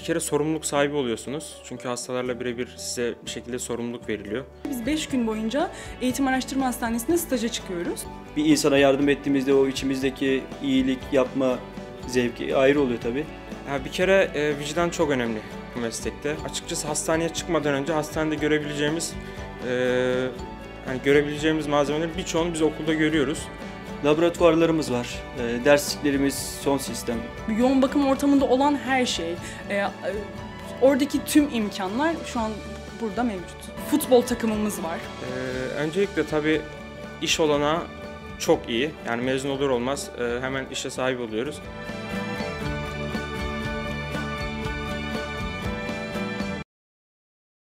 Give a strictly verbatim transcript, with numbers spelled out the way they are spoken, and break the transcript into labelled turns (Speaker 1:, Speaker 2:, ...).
Speaker 1: kere sorumluluk sahibi oluyorsunuz. Çünkü hastalarla birebir size bir şekilde sorumluluk veriliyor.
Speaker 2: Biz beş gün boyunca Eğitim Araştırma Hastanesi'nde staja çıkıyoruz.
Speaker 3: Bir insana yardım ettiğimizde o içimizdeki iyilik yapma zevki ayrı oluyor tabii.
Speaker 1: Ya bir kere e, vicdan çok önemli bu meslekte. Açıkçası hastaneye çıkmadan önce hastanede görebileceğimiz e, yani görebileceğimiz malzemelerin birçoğunu biz okulda görüyoruz.
Speaker 3: Laboratuvarlarımız var, e, dersliklerimiz son sistem.
Speaker 2: Yoğun bakım ortamında olan her şey, e, e, oradaki tüm imkanlar şu an burada mevcut. Futbol takımımız var.
Speaker 1: E, öncelikle tabii iş olanağı çok iyi. Yani mezun olur olmaz e, hemen işe sahip oluyoruz.